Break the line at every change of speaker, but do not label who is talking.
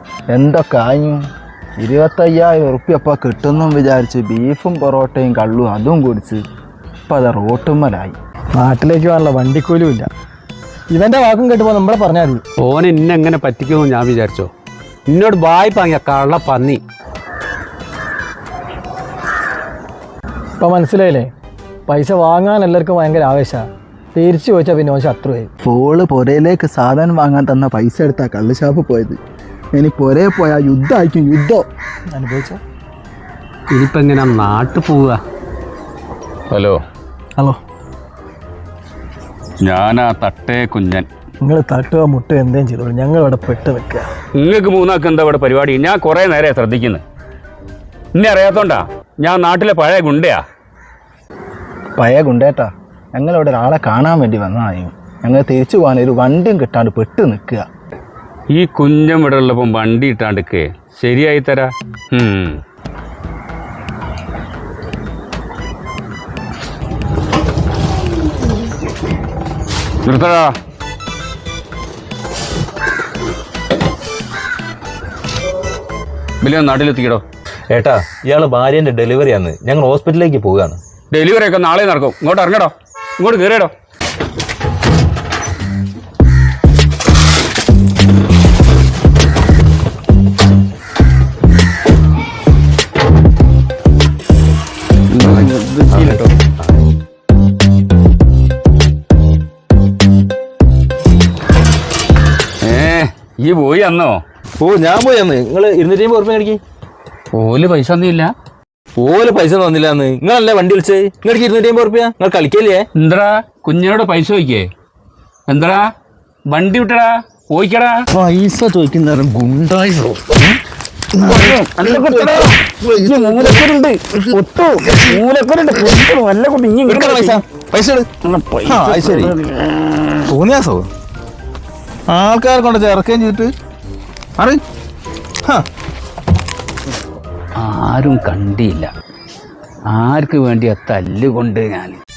എന്തൊക്കെ ആയും 25,000 ഉറുപ്പ്യ അപ്പം കിട്ടുന്നു വിചാരിച്ച് ബീഫും പൊറോട്ടയും കള്ളും അതും കുടിച്ച് ഇപ്പം അത് റോട്ടുമ്മലായി.
നാട്ടിലേക്ക് പോകാനുള്ള വണ്ടിക്കൂലും ഇല്ല. ഇവൻ്റെ വാക്കും കേട്ടുമ്പോൾ നമ്മളെ പറഞ്ഞാൽ മതി.
ഓൻ ഇന്നെ എങ്ങനെ പറ്റിക്കുമെന്ന് ഞാൻ വിചാരിച്ചോ? എന്നോട് വായ്പ വാങ്ങിയ കള്ള പന്നി.
ഇപ്പം മനസ്സിലായില്ലേ? പൈസ വാങ്ങാൻ എല്ലാവർക്കും ഭയങ്കര ആവേശമാണ്. തിരിച്ചു ചോദിച്ചാൽ പിന്നെ ഓൻ ശത്രുവായി.
ഫോള് പുരയിലേക്ക് സാധനം വാങ്ങാൻ തന്ന പൈസ എടുത്താൽ കള്ള് ഷാപ്പ് പോയത്. ഇനി പുരയെ പോയാൽ യുദ്ധമായിരിക്കും. യുദ്ധം
അനുഭവിച്ച
ഇനിയിപ്പോൾ എങ്ങനെ നാട്ടിൽ പോവുക?
ഹലോ
ഹലോ,
ഞാനാ തട്ടേ കുഞ്ഞൻ.
നിങ്ങൾ തട്ടുക മുട്ടുക എന്തേലും ചെയ്തോളൂ, ഞങ്ങൾ ഇവിടെ പെട്ട് നിൽക്കുക.
നിങ്ങൾക്ക് മൂന്നാൾക്ക് എന്താ ഇവിടെ പരിപാടി? ഞാൻ കുറേ നേരെ ശ്രദ്ധിക്കുന്നത്. ഇന്നെ അറിയാത്തോണ്ടാ ഞാൻ നാട്ടിലെ പഴയ ഗുണ്ടയാ.
പഴയ ഗുണ്ടേട്ടാ, ഞങ്ങളിവിടെ ഒരാളെ കാണാൻ വേണ്ടി വന്നതായും ഞങ്ങൾ തിരിച്ചു പോകാൻ ഒരു വണ്ടിയും കിട്ടാണ്ട് പെട്ട് നിൽക്കുക.
ഈ കുഞ്ഞൻ ഇവിടെ ഉള്ളപ്പം വണ്ടി ഇട്ടാണ്ടിക്ക് ശരിയായി തരാ. നിർത്തടാ. വലിയ നാട്ടിലെത്തിക്കടോ.
ഏട്ടാ, ഇയാളെ ഭാര്യന്റെ ഡെലിവറിയാണ്. ഞങ്ങൾ ഹോസ്പിറ്റലിലേക്ക് പോവുകയാണ്.
ഡെലിവറി ഒക്കെ നാളെ നടക്കും. ഇങ്ങോട്ട് ഇറങ്ങടോ, ഇങ്ങോട്ട് കയറിയടോ. ഈ പോയി അന്നോ?
ഓ, ഞാൻ പോയി അന്ന്. നിങ്ങൾ 250 ഉറുപ്പിക മേടിക്കും.
ഓല് പൈസ ഒന്നുമില്ല.
ഓല് പൈസ തന്നില്ല അന്ന്. നിങ്ങളല്ലേ വണ്ടി വിളിച്ചത്? നിങ്ങൾക്ക് 250 ഉറുപ്പിക. നിങ്ങൾ കളിക്കല്ലേ?
എന്താ കുഞ്ഞിനോട് പൈസ ചോദിക്കേ? എന്താ വണ്ടി വിട്ടടാ, പോയിക്കടാ.
പൈസ ചോദിക്കുന്ന ഗുണ്ടായി.
ശരി, തോന്നിയാസോ ആൾക്കാരെ കൊണ്ട് ഇറക്കുകയും ചെയ്തിട്ട്
ആരും കണ്ടില്ല. ആർക്ക് വേണ്ടിയാ തല്ലുകൊണ്ട് ഞാൻ